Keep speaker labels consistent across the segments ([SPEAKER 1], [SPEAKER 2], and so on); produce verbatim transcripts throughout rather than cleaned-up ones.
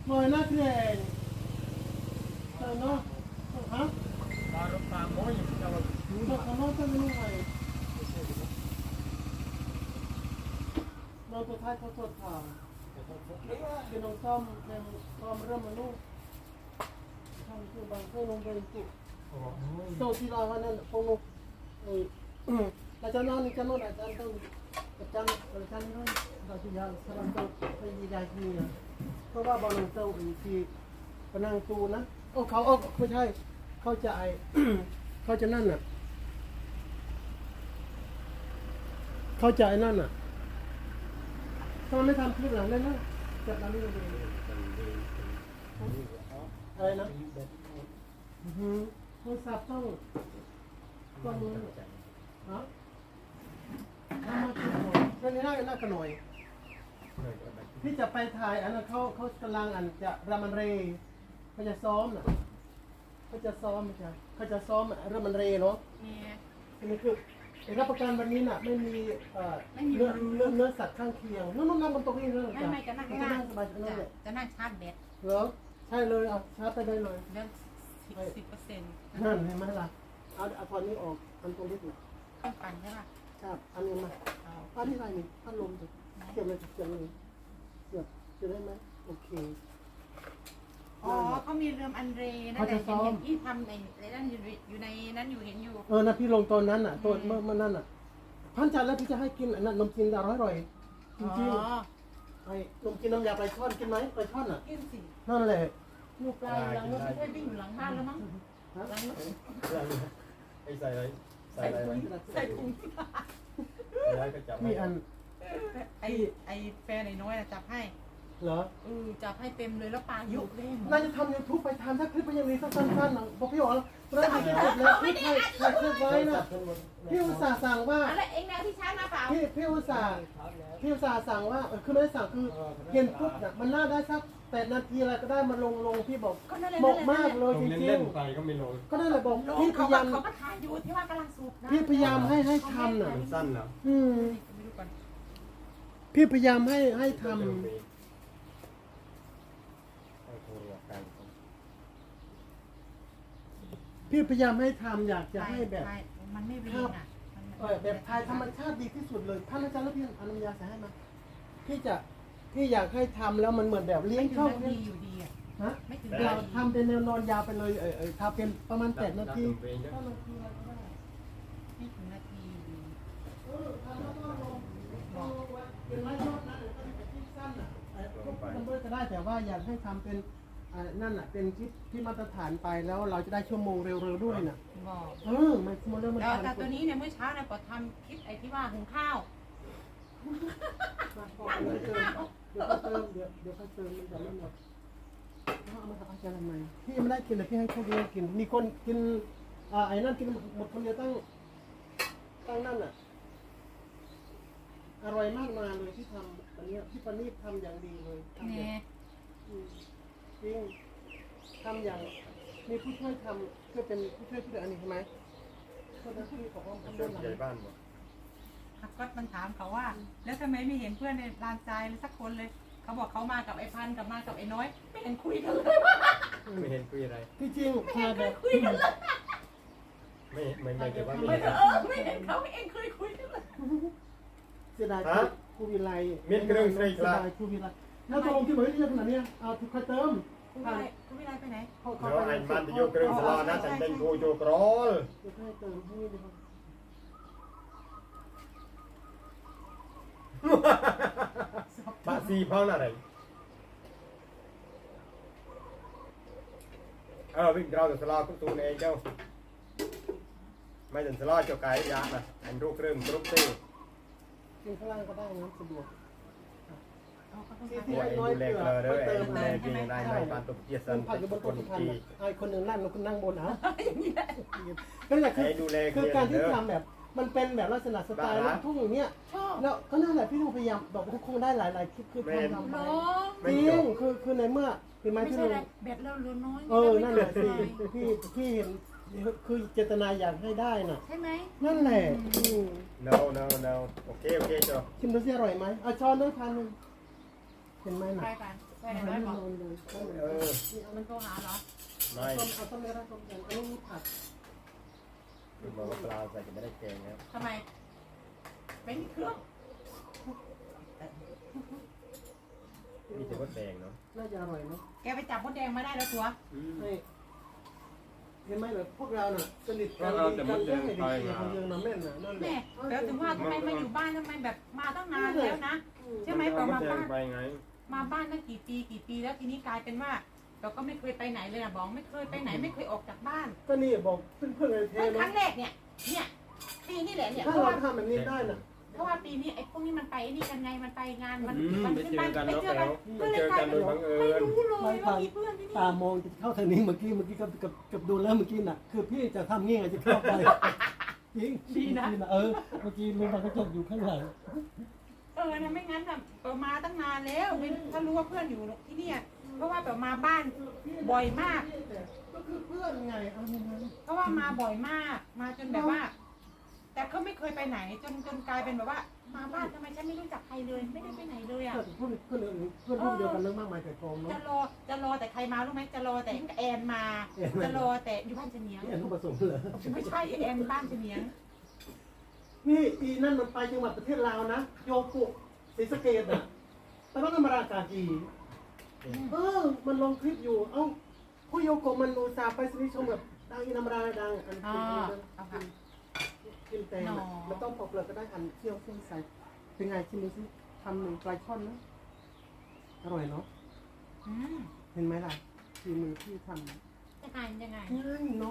[SPEAKER 1] Mời nó kìa. Tao nó. Hả?
[SPEAKER 2] Ba rốt ba mối nhưng mà
[SPEAKER 1] Tao nó taoไม่รู้ไงเราตัวท้ายเขาตรวจถามเป็นน้องซ่อมเป็นซ่อมเริ่มมาลูกทำคือบางเครื่องลงไปจุดโซที่เราวันนั้นพงศ์เอออาจารย์นอนนี่จะนอนอาจารย์ต้องอาจารย์อาจารย์นี่เราจะยาสลับต้องไปยีดายที่นี่เพราะว่าบอลน้องเต้าอีกทีปนังตูนะโอ้เขาโอ้ไม่ใช่เขาจะไอเขาจะนั่นน่ะเขาจะไอ้นั่นน่ะทำไมไม่ทำคลิปหลังได้นะจับเราไม่ได้อะไรนะอือโทรศัพท์ต้องต้องรู้ฮะทำมาคิดหน่อยเรื่องนี้น่าน่ากันหน่อยพี่จะไปถ่ายอันนั้นเขาเขากำลังอันจะรามันเรเขาจะซ้อมน่ะเขาจะซ้อมไม่ใช่เขาจะซ้อมรามันเรเนาะอันนี้คือรับประกันวันนี้น่ะไม่มีเนื้อเนื้อเนื้อสัตว์ข้างเคียงนู่นนู่นนั่งบนโต๊ะนี่เลย
[SPEAKER 3] ไม่ไม่จะนั่ง
[SPEAKER 1] จะ
[SPEAKER 3] ข้าง
[SPEAKER 1] นั่งสบายจะนั่ง
[SPEAKER 3] จะ
[SPEAKER 1] เลย
[SPEAKER 3] จะนั่งชาร์จแบต
[SPEAKER 1] เหรอใช่เลยเอาชาร์จไปได้เลย
[SPEAKER 3] เดือนสิบสิบเปอร์เซ็นต์
[SPEAKER 1] นั่นเห็นไหมล่ะเอาเอาตอนนี้ออกอันตรงนี้ดู
[SPEAKER 3] เครื่องปั่นใช่ป่ะ
[SPEAKER 1] ครับอันนี้มาอันนี้อะไรนี่พัดลมสิเสียบเลยเสียบเลยเสียบเสียบได้ไหมโอเค
[SPEAKER 3] อ๋อเขามีเรือมอันเรนั่นแหละเห็นอย่างที่ทำในในนั้นอยู่อยู่ในนั้นอยู่เห็นอยู่
[SPEAKER 1] เออนะพี่ลงตอนนั้นน่ะตัวเมื่อเมื่อนั้นน่ะพันจันแล้วพี่จะให้กินอันนั้นนมจีนอร่อยอร่อยจริงๆไอ้นมจีนน้ำยาปลาช่อนกินไหมปลาช่อนอ่ะ
[SPEAKER 3] กินสิ
[SPEAKER 1] นั่นแหละ
[SPEAKER 3] หนูปลายหลังรถไม่ใช่วิ่งอยู่หลังบ้านแล้วมั้งหลังรถ
[SPEAKER 2] ไอ้ใส่อะไรใส่
[SPEAKER 3] ใส่
[SPEAKER 2] อะไร
[SPEAKER 3] ถุงใส่ถุง
[SPEAKER 2] ได้ก็จับ
[SPEAKER 1] มีอัน
[SPEAKER 3] ไอไอแฟนไอ้น้อยจับให้
[SPEAKER 1] เหรอ
[SPEAKER 3] เออจับให้เต็มเลยแล้วปลายุบเลย
[SPEAKER 1] น่าจะทำยูทูบไปทำถ้าคลิปมันยังมีสั้นๆนะบอกพี่อ๋อแล้วถ่ายคลิปแล้วพี่ถ่ายถ่ายคลิปไว้นะพี่อุตส่าห์สั่งว่า
[SPEAKER 3] อะไรเองแนวที่ชาร์จมาเปล่า
[SPEAKER 1] พี่พี่อุตส่าห์พี่อุตส่าห์สั่งว่าคือไม่ได้สั่งคือเห็นปุ๊บน่ะมันน่าได้สักแปดนาทีอะไรก็ได้มาลงลงพี่บอก
[SPEAKER 3] ก็นั่นแหละ
[SPEAKER 1] บอกมากเลยจ
[SPEAKER 2] เล่น
[SPEAKER 1] ริ
[SPEAKER 2] เล่
[SPEAKER 1] ง
[SPEAKER 2] นไปก็ไม่ลง
[SPEAKER 1] ๆก็นั่นแหละบอก
[SPEAKER 3] ลง
[SPEAKER 1] พี่พ
[SPEAKER 3] เขา
[SPEAKER 1] ยายาม
[SPEAKER 3] เขาก็ถ่ายอยู่ที่ว่ากำลังสูบนะ
[SPEAKER 1] พี่พยายามให้ให้ทำน่ะ
[SPEAKER 2] มันสั้นเหรอ
[SPEAKER 1] อืม
[SPEAKER 3] ไม่รู้ก่อน
[SPEAKER 1] พี่พยายามให้ให้ทำพี่พยายามให้ทำอยากจะให้แบบ
[SPEAKER 3] มันไม่รีนอ่ะ
[SPEAKER 1] เออแบบไทยธรรมชาติดีที่สุดเลยท่านอาจารย์แล้วพี่อนุญาตให้มาพี่จะพี่อยากให้ทำแล้วมันเหมือนแบบเลี้ยง
[SPEAKER 3] ไม่ถึ
[SPEAKER 1] ช่
[SPEAKER 3] ง
[SPEAKER 1] อง
[SPEAKER 3] นาทีอยู่ดีอ่ะ
[SPEAKER 1] ฮะ
[SPEAKER 3] ไม่ถึง
[SPEAKER 1] เราทำเป็นแนวนอนยาวไปเลยเออเออทำเป็นประมาณแปดนาที
[SPEAKER 3] ไม่ถึงนาทีอยู่ดี
[SPEAKER 1] เออทำแล้วก็ลงเป็นไม้ยอดนะหรือเป็นคลิปสั้นอ่ะมันเบอร์ก็ได้แต่ว่าอยากให้ทำเป็นนั่นอ่ะเป็นคลิปที่มาตรฐานไปแล้วเราจะได้ชั่วโมงเร็วๆด้วยน่ะ
[SPEAKER 3] บอก
[SPEAKER 1] เออมันมันเริ่มมัน
[SPEAKER 3] แล้วแต่ตัวนี้เนี่ยเมื่อเช้าเนี่ยปอทำคลิปไอ้ที่ว่าหุงข้าว
[SPEAKER 1] เดี๋ยวเติมเดี๋ยวเดี๋ยวค่อยเติมมันจะไม่หมดเอามาทำอาจารย์ทำไมพี่ยังไม่ได้กินเลยพี่ให้พวกนี้กินมีคนกินอ่าไอ้นั่นกินหมดคนเดียวตั้งตั้งนั่นอ่ะอร่อยมากมาเลยที่ทำอันนี้พี่ปานีทำอย่างดีเลยทำ
[SPEAKER 3] เนี่ย
[SPEAKER 1] จริงทำอย่างมีผู้ช่วยทำก็เป็นผู้ช่วยผู้ดูอันนี้ใช่ไหมคนนั้นที่ของห้องทำด้านหลัง
[SPEAKER 2] ใหญ่บ้านบ่
[SPEAKER 3] ฮักก็มันถามเขาว่า แล้วทำไมไม่เห็นเพื่อนในลานทรายเลยสักคนเลย เขาบอกเขามากับไอ้พันกับมากับไอ้น้อยไม่เห็นคุยกันเลย
[SPEAKER 2] ไม่เห็นคุยอะไร
[SPEAKER 1] ที่จริงพาแบบ
[SPEAKER 3] คุยกันเลย
[SPEAKER 2] ไม่ไม่ไม่แต่ว่า
[SPEAKER 3] ไม่
[SPEAKER 2] ไม่
[SPEAKER 3] เออไม่เห็นเขาเองเคยคุยกันเลย
[SPEAKER 1] เสียดายครูวิไลเสียดายครูวิไลแล้วตกลงที่บอกว่าเยอะขนาดนี้เอาทุกคนเติม
[SPEAKER 3] คุณวิไลคุณวิไลไปไหน
[SPEAKER 1] เขา
[SPEAKER 2] เดี๋ยวไอ้มันจะโยกเครื่องสลอนะแต่เป็นโกโจกรอล
[SPEAKER 1] เดี๋ยวให้เติมให้ดีครับ
[SPEAKER 2] บาซีเพิ่งอะไรเออวิ่งเราจะสลอก็ตูนเองเจ้าไม่ถึงสลอเจ้าไก่ยานะอันรูปเครื่องกรุ๊ปตี้
[SPEAKER 1] กินข้างล่างก็ได้นะสะดวก
[SPEAKER 2] หัวเองดูแลเกลือเด้อเองดูแลจริงได้ในบ้านตุกเกียสัน
[SPEAKER 1] ผักอยู่บน
[SPEAKER 2] ค
[SPEAKER 1] โต๊ะ
[SPEAKER 2] น
[SPEAKER 1] สุพรรณ
[SPEAKER 2] ที่
[SPEAKER 1] ไอ้คนหนึ่งนั่งแล้วคนนั่งบนเอา
[SPEAKER 3] อย่างนี้แหละ
[SPEAKER 1] นั่นแหละคือ
[SPEAKER 2] ให้ดูแลเก
[SPEAKER 1] คื
[SPEAKER 2] ลื
[SPEAKER 1] อ
[SPEAKER 2] อ
[SPEAKER 1] การที่
[SPEAKER 2] เด้อ
[SPEAKER 1] ทำแบบ มันเป็นแบบลักษณะสไตล์ลูกทุ่งอย่างเนี้ย
[SPEAKER 3] ชอบ
[SPEAKER 1] แล้วก็นั่นแหละพี่ต้องพยายามบอกว่าคงได้หลายๆคลิปคือทำทำไป
[SPEAKER 3] เนาะ
[SPEAKER 1] จริงคือคือในเมื่อเป็นไม้
[SPEAKER 3] ไม่
[SPEAKER 1] ที่
[SPEAKER 3] ใช่
[SPEAKER 1] ลุง
[SPEAKER 3] อะไรแบตเราเหลือน้อย
[SPEAKER 1] เออนั่นแหละสิพี่พี่เห็นคือเจตนาอยากให้ได้น่ะ
[SPEAKER 3] ใช่ไหม
[SPEAKER 1] นั่นแหละอืม
[SPEAKER 2] no no no โอเคโอเคจ้ะ
[SPEAKER 1] ชิมดูสิอร่อยไหมเอาช้อนด้วยพันหนึ่งเห็นไหมน่ะ
[SPEAKER 3] ไปป่ะ
[SPEAKER 1] เ
[SPEAKER 3] นน้อยบอก
[SPEAKER 2] เออ
[SPEAKER 3] มันโทรหาเหรอ
[SPEAKER 2] ไม่
[SPEAKER 1] ต้มเอาต้มเนื้อต้มแกงอันนี้มีผัก
[SPEAKER 2] คือบอกว่าปลาใส่จะไม่ได้แกงครับ
[SPEAKER 3] ทำไมไม่มีเครื่อง
[SPEAKER 2] มีแต่ว่าแดงเนาะ
[SPEAKER 1] น่าจะอร่อยเนาะ
[SPEAKER 3] แกไปจับมดแดงมาได้แล้วตัว
[SPEAKER 1] ให้เห็นไหมแบบพวกเราน่ะสนิทกันดีกันเรื่องไอ้เด็กคนเดียวน้ำแม่นน่ะนั่นแห
[SPEAKER 3] แม่
[SPEAKER 1] ละ
[SPEAKER 3] แล้วถึงว่าทำไมมาอยู่บ้านทำไมแบบมาตั้งนานแล้วนะใช่ไหมพอมาบ้าน
[SPEAKER 2] ไปไง
[SPEAKER 3] มาบ้านตั้งกี่ปีกี่ปีแล้วทีนี้กลายเป็นว่า เราก็ไม่เคยไปไหนเลยนะบอกไม่เคยไปไหนไม่เคยออกจากบ้าน
[SPEAKER 1] ก็นี่บอกเพื่อนๆเลยเท
[SPEAKER 3] เพิ่งครั้
[SPEAKER 1] เนาะ
[SPEAKER 3] งแรกเนี่ยเนี่ยปีนี้แหละเนี่ย
[SPEAKER 1] ถ้า
[SPEAKER 3] เพราะ
[SPEAKER 1] เรา
[SPEAKER 3] ว่า
[SPEAKER 1] ทำแบบนี้ได้น่ะ
[SPEAKER 3] เพราะว่าปีนี้ไอ้พวกนี้มันไปไอ้นี่กันไงมันไปงานมัน
[SPEAKER 2] อืม
[SPEAKER 3] มัน
[SPEAKER 2] ไป
[SPEAKER 3] ขึ้น
[SPEAKER 2] เจ
[SPEAKER 3] บ้า
[SPEAKER 2] อน กัน
[SPEAKER 3] ไป
[SPEAKER 2] เนาะ
[SPEAKER 3] เจอ
[SPEAKER 2] แล้
[SPEAKER 3] กัน
[SPEAKER 2] ว
[SPEAKER 3] ก็
[SPEAKER 2] ไป
[SPEAKER 3] เลย
[SPEAKER 2] เจอก
[SPEAKER 3] ลาย
[SPEAKER 2] กัน
[SPEAKER 3] เป็น
[SPEAKER 2] โดยบังเอิ
[SPEAKER 3] ไม่
[SPEAKER 2] ญ
[SPEAKER 3] รู้เลยว่ามีเพื่อนที่นี่
[SPEAKER 1] ตามองจะเข้าทางนี้เมื่อกี้เมื่อกี้กับกับกับดูแล้วเมื่อกี้น่ะ คือพี่จะทำงี้ไงจะเข้าไปจริงดีนะเออเมื่อกี้ลุงบางก็จบอยู่ข้างหลัง
[SPEAKER 3] เออนะไม่งั้นน่ะเออมาตั้งนานแล้วไม่ถ้ารู้ว่าเพื่อนอยู่ที่เนี่ยเพราะว่าแบบมาบ้านบ่อยมาก
[SPEAKER 1] ก็คือเพื่อนไงเอาอย่างนั้น
[SPEAKER 3] เพราะว่ามาบ่อยมาก มาจนแบบว่า แต่ก็ไม่เคยไปไหน จนจนกลายเป็นแบบว่า มาบ้านทำไมฉันไม่รู้จักใครเลย ไม่ได้ไปไหนเลยอ่ะ
[SPEAKER 1] เพื่อนเพื่อนเพื่อนรุ่นเดียวกันเรื่องมากมายแต่กองเนาะ
[SPEAKER 3] จะรอจะรอแต่ใครมารู้ไหมจะรอแต่แอนมา จะรอแต่อยู่บ้านเฉนียง
[SPEAKER 1] นี่อันต้องผสมเหรอ
[SPEAKER 3] ไม่ใช่แอนบ้านเฉนียง
[SPEAKER 1] นี่อีนั่นมันไปจังหวัดประเทศลาวนะโยกุศรีสะเกษอ่ะแต่ว่าธรรมดากากีเออมันลงคลิปอยู่เอ้าผู้โยกุมันอุตส่าห์ไปสนิทชมแบบดังอินธรรมดาดังอัน
[SPEAKER 3] อ๋อ
[SPEAKER 1] เป็น
[SPEAKER 3] เอาค่ะ
[SPEAKER 1] กินแตงอะมันต้องปอกเปลือกก็ได้อันเคี่ยวเคี่ยวใส่เป็นไงชิมดูสิทำหนึ่งปลายช่อนนะอร่อยเนาะ
[SPEAKER 3] อืม
[SPEAKER 1] เห็นไหมล่ะฝีมือที่ทำ
[SPEAKER 3] ยังไงยังไง
[SPEAKER 1] ง่ายเนาะ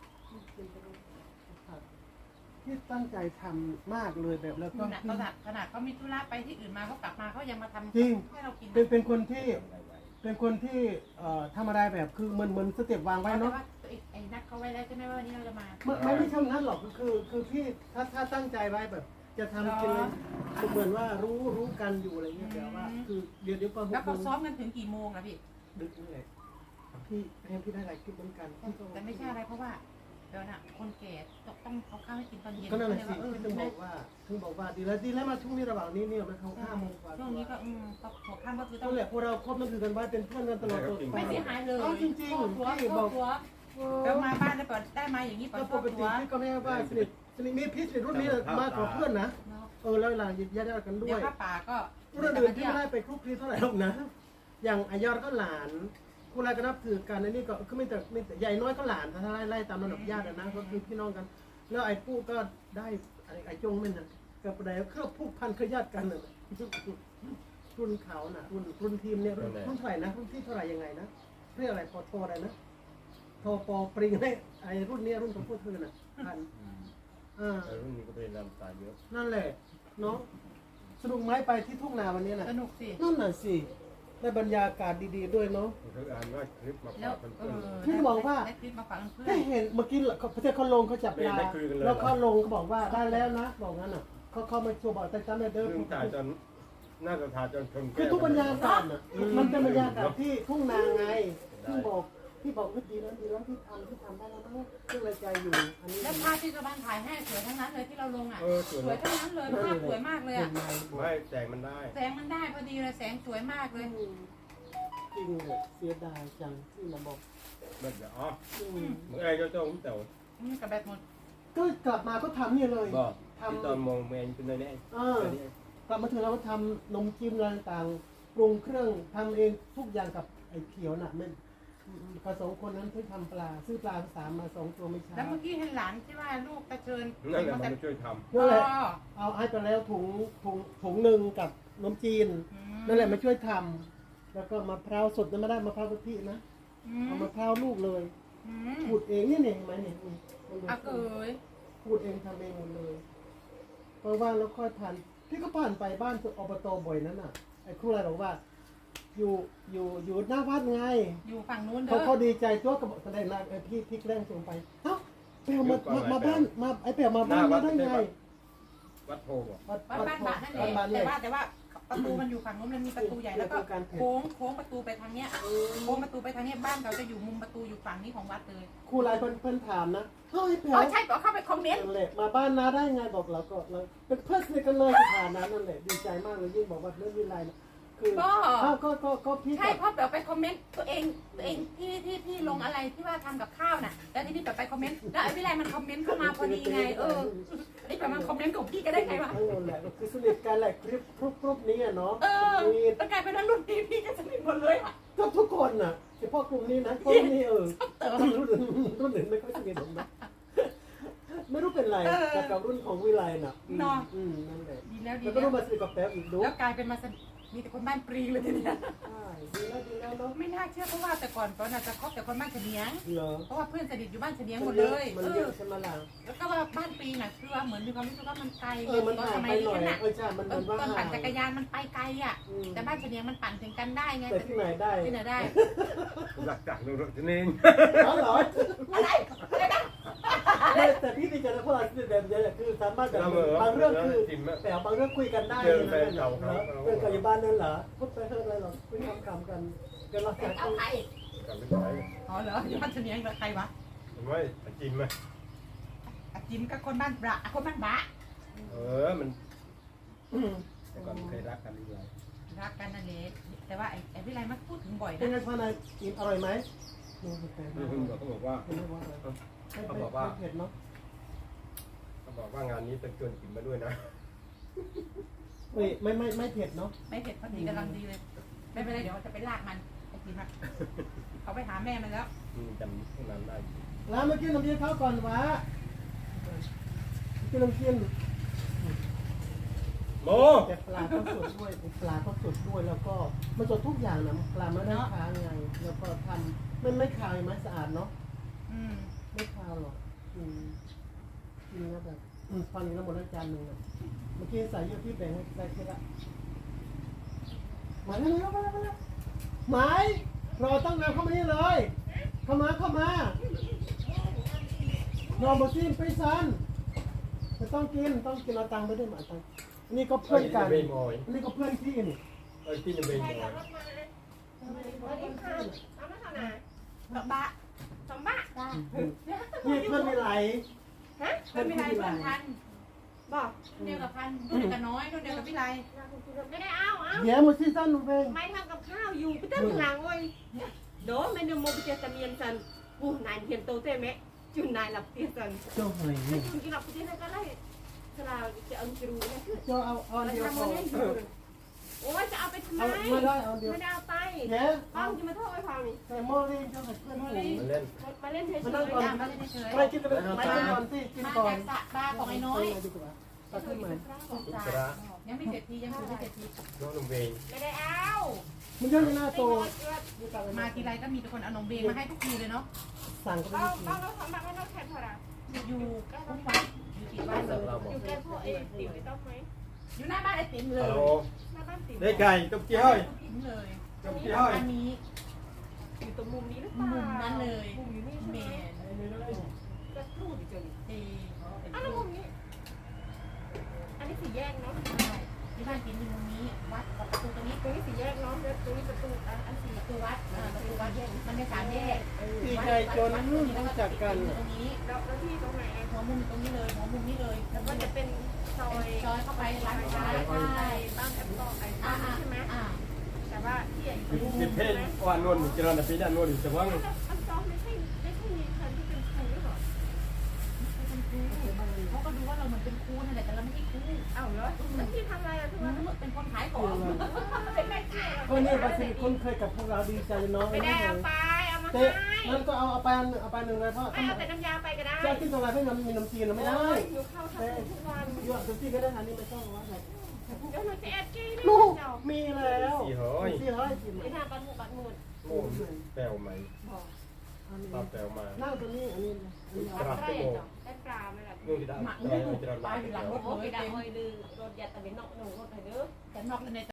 [SPEAKER 1] ที่ตั้งใจทำมากเลยแบบแล้วก็
[SPEAKER 3] ขนาดขนาดเขามีธุระไปที่อื่นมาเขากลับมาเขายังมาทำ
[SPEAKER 1] จริง
[SPEAKER 3] ให้เรากิน
[SPEAKER 1] เป็นเป็นคนที่เป็นคนที่เอ่อทำอะไรแบบคือเหมือนเหมือนสเต็ปวางไว้
[SPEAKER 3] แต่
[SPEAKER 1] เนาะ
[SPEAKER 3] ว่าไอ้นัดเขาไว้แล้วใช่ไหมว่าวันนี้เราจะมา
[SPEAKER 1] ไม่ไม่ไม่ใช่นั้นหรอกคือคือพี่ถ้าถ้าตั้งใจไว้แบบ จะทำกินเลยเหมือนว่ารู้รู้กันอยู่อะไรเงี้ยแต่ว่าคือเดี๋ยวเดี๋ยวพอห
[SPEAKER 3] แล้ว
[SPEAKER 1] กโม
[SPEAKER 3] เขา
[SPEAKER 1] ง
[SPEAKER 3] ซ้อมกันถึงกี่โมงล่ะพี่
[SPEAKER 1] ดึกนี่แหละพี่เรียนพี่ได้หลายคลิปเหมือนกัน
[SPEAKER 3] แต่ไม่ใช่อะไรเพราะว่าเดี๋ยวน่ะคนแก่ต้องเอาข้าวให้กินตอนเย็น
[SPEAKER 1] ก็นั่นแหละสิ
[SPEAKER 3] เออ
[SPEAKER 1] ถึงบอกว่าถึงบอกว่าดีแล้วดีแล้วมาช่วงนี้ระหว่างนี้เนี่ยมันเข้าห้าโมงกว่า
[SPEAKER 3] ช่วงนี้ก็อืมก็หัวค่ำก็คือต้
[SPEAKER 1] ต้
[SPEAKER 3] อ
[SPEAKER 1] อง งแหละพวกเราครบนั่นคือกันไว้เป็นเพื่อนกันตลอด
[SPEAKER 3] ไม่เสียหายเลย
[SPEAKER 1] อ๋อจริงๆ
[SPEAKER 3] ตัว
[SPEAKER 1] พี่
[SPEAKER 3] ตัว
[SPEAKER 1] บอก
[SPEAKER 3] ตัวแล้วมาบ้านแล้วเปิดได้มาอย่างนี้เปิ
[SPEAKER 1] ก็
[SPEAKER 3] ด
[SPEAKER 1] ป
[SPEAKER 3] ตัว
[SPEAKER 1] กติพี่ก็ไม่ได้ว่าสนิทสนิทมีพี่สนิทรุ่นนี้มากกว่าเพื่อนนะเออแล้วหลังญาติๆกันด้
[SPEAKER 3] เดี๋
[SPEAKER 1] วย
[SPEAKER 3] วย ข้าป่าก็
[SPEAKER 1] รุ่นอื่นพี่ไม่ได้ไปคลุกคลีเท่าไหร่หรอกนะ อย่างอายอดก็หลานคุณอะไรก็นับถือกันในนี่ก็คือไม่แต่ไม่แต่ใหญ่น้อยก็หลานถ้าไล่ไล่ตามระดับญาตินะก็คือพี่น้องกัน แล้วไอ้ปู่ก็ได้ไอ้ไอ้จงไม่น่ะกับอะไรเครือผูกพันเครือญาติกันน่ะรุ่นเขาน่ะรุ่นรุ่นทีมเนี่ยรุ่นรุ่นเท่าไหร่นะรุ่นที่เท่าไหร่ยังไงนะเรียกอะไรพอโทอะไรนะโทปอปริงให้ไอ้รุ่นเนี้ยรุ่นของพวกเธอน่ะพันอ่า
[SPEAKER 2] รุ่นนี้ก็เป็นลำตาเยอะ
[SPEAKER 1] นั่นแหละเนาะสนุกไหมไปที่ทุ่งนาวันนี้น่ะ
[SPEAKER 3] สนุกสิ
[SPEAKER 1] นั่นน่ะสิได้บรรยากาศดีๆด้วยเนาะ
[SPEAKER 2] เขาอ่านว่าคลิปมา
[SPEAKER 3] แล้ว
[SPEAKER 2] ฝากเพื่
[SPEAKER 3] เอ
[SPEAKER 2] อน
[SPEAKER 3] อ
[SPEAKER 1] พี่ก็บอกว่า
[SPEAKER 3] ได้คลิปมาฝากเพื่อน
[SPEAKER 1] ได้เห็นเมื่อกี้เขาประเทศเขาลงเขาจับปลา
[SPEAKER 2] ไม่คุยกันเลย
[SPEAKER 1] แล้วเขาลงเขาบอกว่าได้แล้วนะบอกงั้นอ่ะเขาเขามาโชว์บอกแต่จำได้
[SPEAKER 2] ๆ
[SPEAKER 1] เด้อ
[SPEAKER 2] เรื่องถ่ายจนน่าจะถ่ายจนชน
[SPEAKER 1] คือทุกบรรยากาศน่ะมันเป็นบรรยากาศที่ทุ่งนาไงที่บอกที่บอกว่าดีแล้วดีแล้วที่ทำที่ทำได้แล้วมั้งซึ่งในใจอยู่อันนี้
[SPEAKER 3] แล้วภาพที่ชาวบ้านถ่ายให้สวยทั้งนั้นเลยที่เราลงอ่ะ
[SPEAKER 2] เออสวย
[SPEAKER 3] สวยทั้งนั้นเลยภาพสวยมากเลย
[SPEAKER 1] เห็
[SPEAKER 3] อ่ะ
[SPEAKER 1] นไหม
[SPEAKER 2] ไม่แสงมันได้
[SPEAKER 3] แสงมันได้พอดีเลยแสงสวยมากเลย
[SPEAKER 1] จริงเลยเสียดายจังที่มาบอก
[SPEAKER 2] แบบอ๋อ
[SPEAKER 1] อืม
[SPEAKER 2] เมื่อไงเจ้าเจ้าผมเต่า
[SPEAKER 3] อืมกับแบตหมด
[SPEAKER 1] ก็กลับมาก็ทำเนี่ยเลย
[SPEAKER 2] บอกที่ตอนมองเมนเป็นอะไรเนี่ย
[SPEAKER 1] เออกลับมาถึงเราก็ทำนมจิ้มอะไรต่างๆปรุงเครื่องทำเองทุกอย่างกับไอ้เขียวน่ะไม่ผสมคนนั้นเพิ่งทำปลาซื้อปลาสามมาสองตัวไม่ใช่
[SPEAKER 3] แล้วเมื่อกี้เห็นหลานที่ว่าลูกตะเชิญ
[SPEAKER 2] นั่นแหละมันมาช่วยท
[SPEAKER 1] นั่นแหละ
[SPEAKER 3] อ๋อ
[SPEAKER 1] เอาให้ไปแล้วถุงถุงถุงหนึ่งกับนมจีน
[SPEAKER 3] อื
[SPEAKER 1] นั่นแหละมาช่วยทำแล้วก็มะพร้าวสดนั้นไม่ได้มะพร้าวกะทินะ
[SPEAKER 3] อื
[SPEAKER 1] เอา
[SPEAKER 3] ม
[SPEAKER 1] มะพร้าวลูกเลย
[SPEAKER 3] อืม
[SPEAKER 1] ขูดเองนี่เนี่ยเห็นไหมเนี่ยนี่มันดู
[SPEAKER 3] อ่ะเกย
[SPEAKER 1] ขูดเองทำเองหมดเลยเพราะว่าแล้วค่อยผ่านพี่ก็ผ่านไปบ้านอบตบ่อยนั้นน่ะไอ้ครูอะไรบอกว่า อยู่อยู่อยู่หน้าวัดไง
[SPEAKER 3] อยู่ฝั่งนู้นเด้
[SPEAKER 1] เขา
[SPEAKER 3] อ
[SPEAKER 1] เขาดีใจตัวกับแสดงนะไอ้พี่พี่แกล้งส่งไปเอ้าเปลวมามามาบ้านมาไอ้เปลวมาบ้านมาได้ไง
[SPEAKER 2] ำวัดโพบอก
[SPEAKER 1] วัด
[SPEAKER 3] บ้านบ้านบาทนั่นแหละ
[SPEAKER 1] บ้าน
[SPEAKER 3] แต่
[SPEAKER 1] เนี่ย
[SPEAKER 3] ว่าแต่ว่าประตูมันอยู่ฝั่งนู้นมันมีประตูใหญ่แล้วก็โค้งโค้งประตูไปทางเนี้ยโค้งประตูไปทางเนี้ยบ้านเราจะอยู่มุมประตูอยู่ฝั่งนี้ของวัดเลย
[SPEAKER 1] ครูไลน์เพิ่นเพิ่นถามนะเฮ้ยแผล
[SPEAKER 3] อ๋อใช่ก็เข้าไปคอมเมนต์
[SPEAKER 1] นั่นแหละมาบ้านน้าได้ไงบอกเราก็เราเป็นเพื่อนสนิทกันเลยสถานะนั่นแหละดีใจมากเลยยิ่งบอกว่าเรื่องวิไลนะคือ
[SPEAKER 3] ก็
[SPEAKER 1] อ้าวก็ก็ก็พี่
[SPEAKER 3] ใช่
[SPEAKER 1] กับ
[SPEAKER 3] เพราะแบบไปคอมเมนต์ตัวเองตัวเองที่ที่ที่ลงอะไรที่ว่าทำกับข้าวน่ะแล้วที่นี่แบบไปคอมเมนต์แล้วไอ้วิไลมันคอมเมนต์เข้ามาพอดีไงเออไอ้แบบมันคอมเมนต์ของพี่ก็ได้ไงวะ
[SPEAKER 1] นั่นแหละคือสนิทกันแหละคลิปกรุ๊ปกรุ๊ปนี้อะเนาะ
[SPEAKER 3] เออ
[SPEAKER 1] มี
[SPEAKER 3] แล้วกลายเป็นว่ารุ่นพี่พี่ก็สนิทหมดเลยอ่ะ
[SPEAKER 1] ก็ทุกคนน่ะเฉพาะกลุ่มนี้นะกลุ่มนี้เออรุ่นอื่นรุ่นอื่นไม่ค่อยสนิทผมนะไม่รู้เป็นไรแต่กับรุ่นของวิไลน่ะอืม
[SPEAKER 3] เนาะ
[SPEAKER 1] อืมนั่นแหละ
[SPEAKER 3] ดีแล้วดี
[SPEAKER 1] แล้วก็
[SPEAKER 3] แล้ว
[SPEAKER 1] รู้มาสนิทกับแป๊บอีกดู
[SPEAKER 3] แล้วกลายเป็นมาสนิทมีแต่คนบ้านปรีเลยทีเนี้ย
[SPEAKER 1] ใช่ดีแล้วดีแล้วเนาะ
[SPEAKER 3] ไม่น่าเชื่อเพราะว่าแต่ก่อนตอนน่ะจะคบแต่คนบ้านเฉลียง
[SPEAKER 1] เหรอ
[SPEAKER 3] เพราะว่าเพื่อนสนิทอยู่บ้านเฉลียงห
[SPEAKER 1] มั
[SPEAKER 3] ม
[SPEAKER 1] น
[SPEAKER 3] ด
[SPEAKER 1] เย
[SPEAKER 3] เล
[SPEAKER 1] อะ
[SPEAKER 3] ย
[SPEAKER 1] มัน
[SPEAKER 3] เอ
[SPEAKER 1] เย
[SPEAKER 3] อ
[SPEAKER 1] อะใช่ไหมล่ะ
[SPEAKER 3] แล้วก็ว่าบ้านปีน่ะคือว่าเหมือนมีความรู้สึกว่ามันไกล
[SPEAKER 1] เออมัน
[SPEAKER 3] ตอน
[SPEAKER 1] ห่าง
[SPEAKER 3] สมั
[SPEAKER 1] ไป
[SPEAKER 3] ย
[SPEAKER 1] หน่อย
[SPEAKER 3] นี้น่ะ
[SPEAKER 1] เออใช่มัน
[SPEAKER 3] ตอ
[SPEAKER 1] มัน นว่า
[SPEAKER 3] ตอน
[SPEAKER 1] ห่า
[SPEAKER 3] ปั่น
[SPEAKER 1] ง
[SPEAKER 3] จักรยานมันไปไกลอ่ะ
[SPEAKER 1] อืม
[SPEAKER 3] แต่บ้านเฉลียงมันปั่นถึงกันได้ไง
[SPEAKER 1] แต่ที่ไหนได้
[SPEAKER 3] ที่ไหนได้
[SPEAKER 2] หลักจากรถนี่เอง
[SPEAKER 1] อ๋อเหรอ
[SPEAKER 3] อะไรอะไรนะ
[SPEAKER 1] แต่แต่พี่ดีใจนะเพราะเราสนิทแบบนี้แหละคือสามารถแบบบางเรื่องคือแต่บางเรื่องคุยกันได้นะนั่นเหรอเรื่องกับอยู่บ้านนั่นเหรอพูดไปเถอะอะไรหรอกคุยคำๆกันเดี๋ยวเราจะ
[SPEAKER 3] เอาใคร
[SPEAKER 2] กับไม่ใช่
[SPEAKER 3] อ๋อเหรออยู่บ้านเฉลียงเหรอใครวะ
[SPEAKER 2] ไม่จิมไหม
[SPEAKER 3] อาจิมกับคนบ้านบระคนบ้านบะ
[SPEAKER 2] เออมันแต่ก่อนเคยรักกันดีเลย
[SPEAKER 3] รักกันนั่นเองแต่ว่าไอ้ไอ้วิไลมันพูดถึงบ่อย
[SPEAKER 1] เป็นไง
[SPEAKER 3] นะ
[SPEAKER 1] พ่อนายกินอร่อยไหมนี่เป็น
[SPEAKER 2] นี่คุณบอกเขาบอกว่า
[SPEAKER 1] เป็นไม่ว่าอะไร
[SPEAKER 2] เขาบอกว่า
[SPEAKER 1] เผ็ดเนาะ
[SPEAKER 2] เขาบอกว่างานนี้เป็นชวนกินมาด้วยนะ
[SPEAKER 1] เฮ้ยไม่ไม่ไม่เผ็ดเนาะ
[SPEAKER 3] ไม่เผ็ดพอดีกำลังดีเลยไม่เป็นไรเดี๋ยวจะไปลากมันไอ้จิมอะเขาไปหาแม่มันแล้ว
[SPEAKER 2] อืมจำพวกนั้นได้
[SPEAKER 1] แล้วเมื่อกี้น้ำเย็นเขาก่อนวะกินน้ำเย็น
[SPEAKER 2] โม
[SPEAKER 1] แต่ปลาก็สดด้วยปลาก็สดด้วยแล้วก็มันสดทุกอย่างนะปลาไม่ได้ค้างไงแล้วก็ทำไม่ไม่คาวไหมสะอาดเนาะ
[SPEAKER 3] อืม
[SPEAKER 1] ไม่คาวหรอกอืมกินแล้วแบบอืมฟันนี้แล้วหมดแล้วจานหนึ่งอะเมื่อกี้ใส่เยอะพี่แบ่งให้ใส่แค่ละมาแล้วมาแล้วมาแล้วหมายรอตั้งนานเข้ามานี่เลย เข้ามาเข้ามารอบซีนไปซันจะต้องกินต้องกินเอาตังค์ไปด้วยหมาตังค์อันนี่ก็เพื่อนกัน
[SPEAKER 2] เบย์มอย
[SPEAKER 1] อันนี่ก็เพื่อนพี่นี่
[SPEAKER 2] เออที่จะเบย์มอย
[SPEAKER 3] บะบะสมบะ
[SPEAKER 1] นี่เพื่อนไม่ไหล
[SPEAKER 3] ฮะมันไม่ไรเพื่อนพันบอกเดียวกับพันรุ่นเดียวกับน้อยรุ่นเดียวกับวิไล
[SPEAKER 4] ไม่ได้เอาเอา
[SPEAKER 1] เดี๋ยวมาซีซั่นหนูเพลง
[SPEAKER 4] ไม่ทำกับข้าวอยู่พี่เต้นหลังเว้ยโดไม่เนื้อโมบิเจตเมียนสันปูนายเห็นโตเต้ไหมจุนนายหลับเตียสัน
[SPEAKER 1] เจ้าหอย
[SPEAKER 4] จุนกินหลับเตียนั่นก็ไล่สลาจะเอาจะรู้นะคือ
[SPEAKER 1] เจ้าเอาเอา
[SPEAKER 4] มัน
[SPEAKER 1] เดียว
[SPEAKER 4] ทำ
[SPEAKER 1] พ
[SPEAKER 4] มา
[SPEAKER 1] อ
[SPEAKER 4] เล่นอยู่โอ้ยจะเอาไปทำไม
[SPEAKER 1] เอาไม่ได้เอาเดียว
[SPEAKER 4] ไม่ได้เอาไป
[SPEAKER 1] เดี๋ยว
[SPEAKER 4] ป้องจะมาโทษไอ้พานี่
[SPEAKER 1] ใส่หม้อเล่นเจ้าใส่เพื่อนหนู
[SPEAKER 2] มันเล่น
[SPEAKER 4] มาเล่นเฉย
[SPEAKER 1] มานั่งก่อน
[SPEAKER 3] ย่างมาเลยเฉย
[SPEAKER 1] ไม่กินไปเลยไม่กินก่อนสิกิน
[SPEAKER 3] มา
[SPEAKER 1] ก่อน
[SPEAKER 3] จากสระบาของไอ้น้อย
[SPEAKER 1] ดีกว่าตัดขึ้นมา
[SPEAKER 2] อุจระ
[SPEAKER 3] ยังไม่เสร็จทียังไม่เสร็จที
[SPEAKER 2] น้องนุ่มเบย์
[SPEAKER 4] ไม่ได้เอา
[SPEAKER 1] มันเยอะหน้าโต
[SPEAKER 3] มาทีไรก็มีแต่คนเอานมเบงมาให้ทุกทีเลยเนาะ
[SPEAKER 1] สั่งก็
[SPEAKER 4] ป้
[SPEAKER 1] ไม่
[SPEAKER 4] อง
[SPEAKER 1] ได้กิน
[SPEAKER 4] ป้องเราทำแบบไม่ต้องแข่งพอละ
[SPEAKER 3] อยู่คุ้มวัดอยู่ติดบ้านเลย
[SPEAKER 4] อยู่แก้พวกเอติ๋วไม่ต้องไหม
[SPEAKER 3] อยู่หน้าบ้านไอ้ติ๋มเล
[SPEAKER 2] ฮั
[SPEAKER 3] ย
[SPEAKER 2] ลโหล
[SPEAKER 4] หน้าบ้านติ๋ว
[SPEAKER 2] ได้ไก่ตุ๊กเจ้ย
[SPEAKER 3] ติ๋มเลย
[SPEAKER 2] ตุ๊กเจ้ย
[SPEAKER 3] อันนี้
[SPEAKER 4] อยู่ตรงมุมนี้หรือเปล่า
[SPEAKER 3] มุมนั้นเลย
[SPEAKER 4] มุมอยู่นี่
[SPEAKER 3] เม
[SPEAKER 4] ใช่ไหม
[SPEAKER 3] น
[SPEAKER 4] กระทู้ดิจน
[SPEAKER 3] เอ
[SPEAKER 4] อ้าวแล้วมุมนี้ อันนี้สี่แยกเนาะ
[SPEAKER 3] ที่บ้านติ๋มอยู่มุมนี้วัดกับประตูตรงนี้
[SPEAKER 4] ตรงนี้สี่แยกเนาะแล้วตรงนี้ประตูอันอันสี่
[SPEAKER 3] ประตูวัดประตูวัดมันเป็นสามแยก
[SPEAKER 1] ดีใจจนรู้จักกัน
[SPEAKER 3] ตรงนี้
[SPEAKER 4] แล้วแล้วที่ตรงไหน
[SPEAKER 3] หัวมุมตรงนี้เลยหัวมุมนี้เลย
[SPEAKER 4] แล้วก็จะเป็นซอย
[SPEAKER 3] ซอยเข้าไปร้านค้าใช่
[SPEAKER 4] บ้านแอปเปิลไอ้
[SPEAKER 3] อ่า
[SPEAKER 4] บ้านใช่ไหม
[SPEAKER 3] อ่า
[SPEAKER 4] แต่ว่าที่อยู่ตรง
[SPEAKER 2] สิ
[SPEAKER 4] มุ
[SPEAKER 2] บ
[SPEAKER 4] ม
[SPEAKER 2] เพ
[SPEAKER 4] ใช่
[SPEAKER 2] น
[SPEAKER 4] ไหม
[SPEAKER 2] ว่านวลเจริญปีด้านนวลจะว่าง
[SPEAKER 4] อันซอไม่ใช่ไม่ใช่มีคนที่เป็นครูหรอ
[SPEAKER 3] เขาก็ดูว่าเราเหมือนเป็นครูนั่นแหละแต่เราไม่ใช่ครู
[SPEAKER 4] อ้าวเหรอแล้วที่ทำอะไรอ่ะทุกวัน
[SPEAKER 3] เป็นคนขายของเป็นแม่ค้า
[SPEAKER 1] ก็นี่ภาษีคุ้นเคยกับพวกเราดีใจเนาะ
[SPEAKER 4] ไม่ได้เอาไปเอามา
[SPEAKER 1] เตะ
[SPEAKER 4] ให้
[SPEAKER 1] นั่นก็เอาเอาไปเอาไปหนึ่งเลยเพราะ
[SPEAKER 4] ไม่เอาแต่น้ำยาไปก็ได้
[SPEAKER 1] เจ้ากินตรงไหนเพื่อนมีน้ำจีนไม่ได้
[SPEAKER 4] หนูเข้าทำทุกวัน
[SPEAKER 1] ยอดทุกที่ก็ได้อันนี้ไม่ต้องว่าอะไร
[SPEAKER 4] เดี๋ยวหนูจะแอบกี้
[SPEAKER 1] ลูก
[SPEAKER 4] เจ้า
[SPEAKER 1] มีแล้ว
[SPEAKER 2] สี่ร้อย
[SPEAKER 1] สี่ร้อยสี่
[SPEAKER 4] ไปทำบัตรหมู่บัตรหมู่
[SPEAKER 2] โอ้แปลวไหม
[SPEAKER 4] บอก
[SPEAKER 2] ตาแปลวมา
[SPEAKER 1] นั่งตัวนี้อันนี้อันนี้
[SPEAKER 4] บัตรได้เจ้าได้ปลาไหมล่ะ
[SPEAKER 2] นู่นที่ได้
[SPEAKER 3] หมัก
[SPEAKER 2] ได้
[SPEAKER 3] ลูก
[SPEAKER 2] เจริญ
[SPEAKER 3] ปลาอยู่หลังรถ
[SPEAKER 4] โอ้
[SPEAKER 3] เลย
[SPEAKER 4] ยได้
[SPEAKER 3] เต็ม
[SPEAKER 4] เฮ้ยลือรถยัดตะเวนนอกหนูรถไถเด้อ
[SPEAKER 3] แต่นอกใน